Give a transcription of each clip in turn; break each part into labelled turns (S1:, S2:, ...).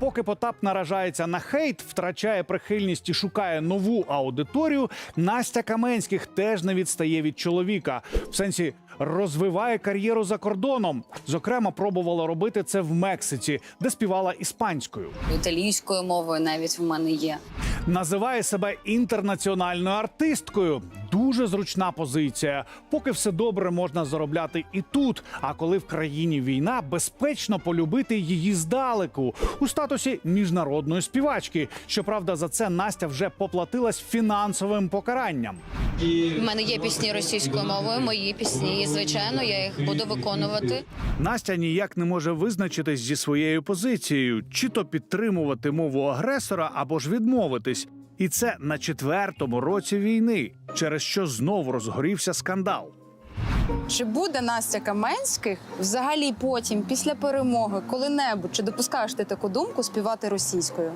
S1: поки Потап наражається на хейт, втрачає прихильність і шукає нову аудиторію, Настя Каменських теж не відстає від чоловіка. В сенсі, розвиває кар'єру за кордоном. Зокрема, пробувала робити це в Мексиці, де співала іспанською.
S2: Італійською мовою навіть в мене є.
S1: Називає себе інтернаціональною артисткою. Дуже зручна позиція. Поки все добре, можна заробляти і тут. А коли в країні війна, безпечно полюбити її здалеку. У статусі міжнародної співачки. Щоправда, за це Настя вже поплатилась фінансовим покаранням.
S2: У мене є пісні російською мовою, мої пісні, і, звичайно, я їх буду виконувати.
S1: Настя ніяк не може визначитись зі своєю позицією. Чи то підтримувати мову агресора, або ж відмовитись. І це на 4-му році війни, через що знову розгорівся скандал.
S3: Чи буде Настя Каменських взагалі потім, після перемоги, коли-небудь, чи допускаєш ти таку думку співати російською?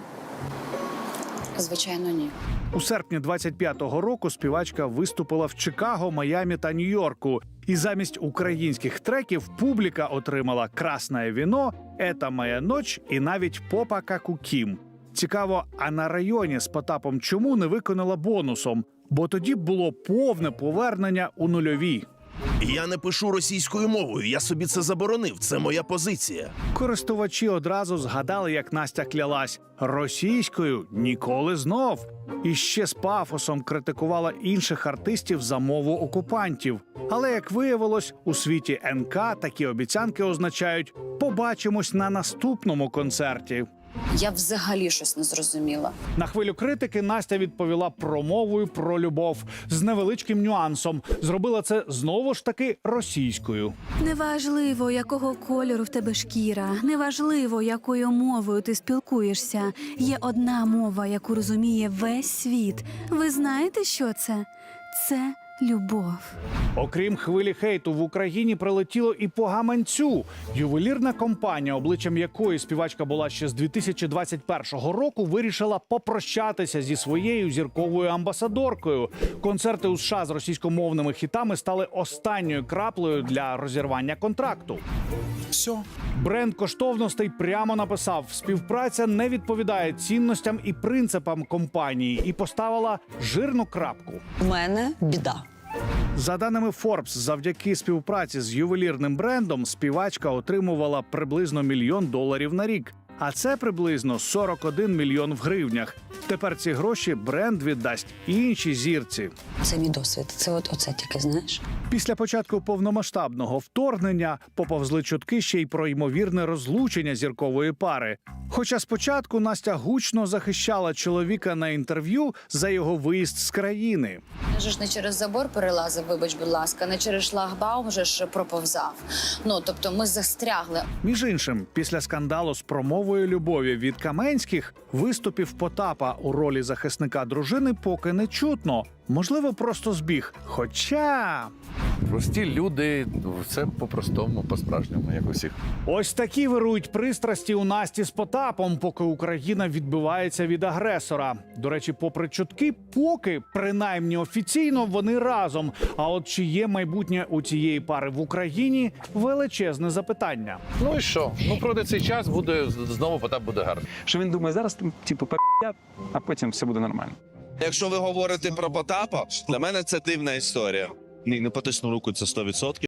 S2: Звичайно, ні.
S1: У серпні 25-го року співачка виступила в Чикаго, Майамі та Нью-Йорку. І замість українських треків публіка отримала «Красне віно», «Ета моя ноч» і навіть «Попа как у Кім». Цікаво, а на районі з Потапом чому не виконала бонусом? Бо тоді б було повне повернення у нульові.
S4: Я не пишу російською мовою, я собі це заборонив, це моя позиція.
S1: Користувачі одразу згадали, як Настя клялась «російською ніколи знов». І ще з пафосом критикувала інших артистів за мову окупантів. Але, як виявилось, у світі НК такі обіцянки означають «побачимось на наступному концерті».
S2: Я взагалі щось не зрозуміла.
S1: На хвилю критики Настя відповіла промовою про любов з невеличким нюансом. Зробила це знову ж таки російською.
S5: Неважливо, якого кольору в тебе шкіра, неважливо, якою мовою ти спілкуєшся. Є одна мова, яку розуміє весь світ. Ви знаєте, що це? Це любов.
S1: Окрім хвилі хейту, в Україні прилетіло і по гаманцю. Ювелірна компанія, обличчям якої співачка була ще з 2021 року, вирішила попрощатися зі своєю зірковою амбасадоркою. Концерти у США з російськомовними хітами стали останньою краплею для розірвання контракту.
S4: Все.
S1: Бренд коштовностей прямо написав: співпраця не відповідає цінностям і принципам компанії, і поставила жирну крапку.
S2: У мене біда.
S1: За даними Forbes, завдяки співпраці з ювелірним брендом співачка отримувала приблизно $1 мільйон на рік. А це приблизно 41 мільйон в гривнях. Тепер ці гроші бренд віддасть іншій зірці.
S2: Це мій досвід. Це оце тільки, знаєш.
S1: Після початку повномасштабного вторгнення поповзли чутки ще й про ймовірне розлучення зіркової пари. Хоча спочатку Настя гучно захищала чоловіка на інтерв'ю за його виїзд з країни.
S2: Я ж не через забор перелазив, вибач, будь ласка, не через шлагбаум вже ж проповзав. Тобто ми застрягли.
S1: Між іншим, після скандалу з промовою любові від Каменських, виступів Потапа у ролі захисника дружини поки не чутно. Можливо, просто збіг. Хоча...
S6: Прості люди, все по-простому, по-справжньому, як у всіх.
S1: Ось такі вирують пристрасті у Насті з Потапом, поки Україна відбивається від агресора. До речі, попри чутки, поки, принаймні офіційно, вони разом. А от чи є майбутнє у цієї пари в Україні – величезне запитання.
S6: Ну і що? Пройде цей час, знову Потап буде гарний.
S7: Що він думає, зараз типу п***я, а потім все буде нормально.
S4: Якщо ви говорите про Потапа, для мене це дивна історія. Ні, не потисну руку, це 100%.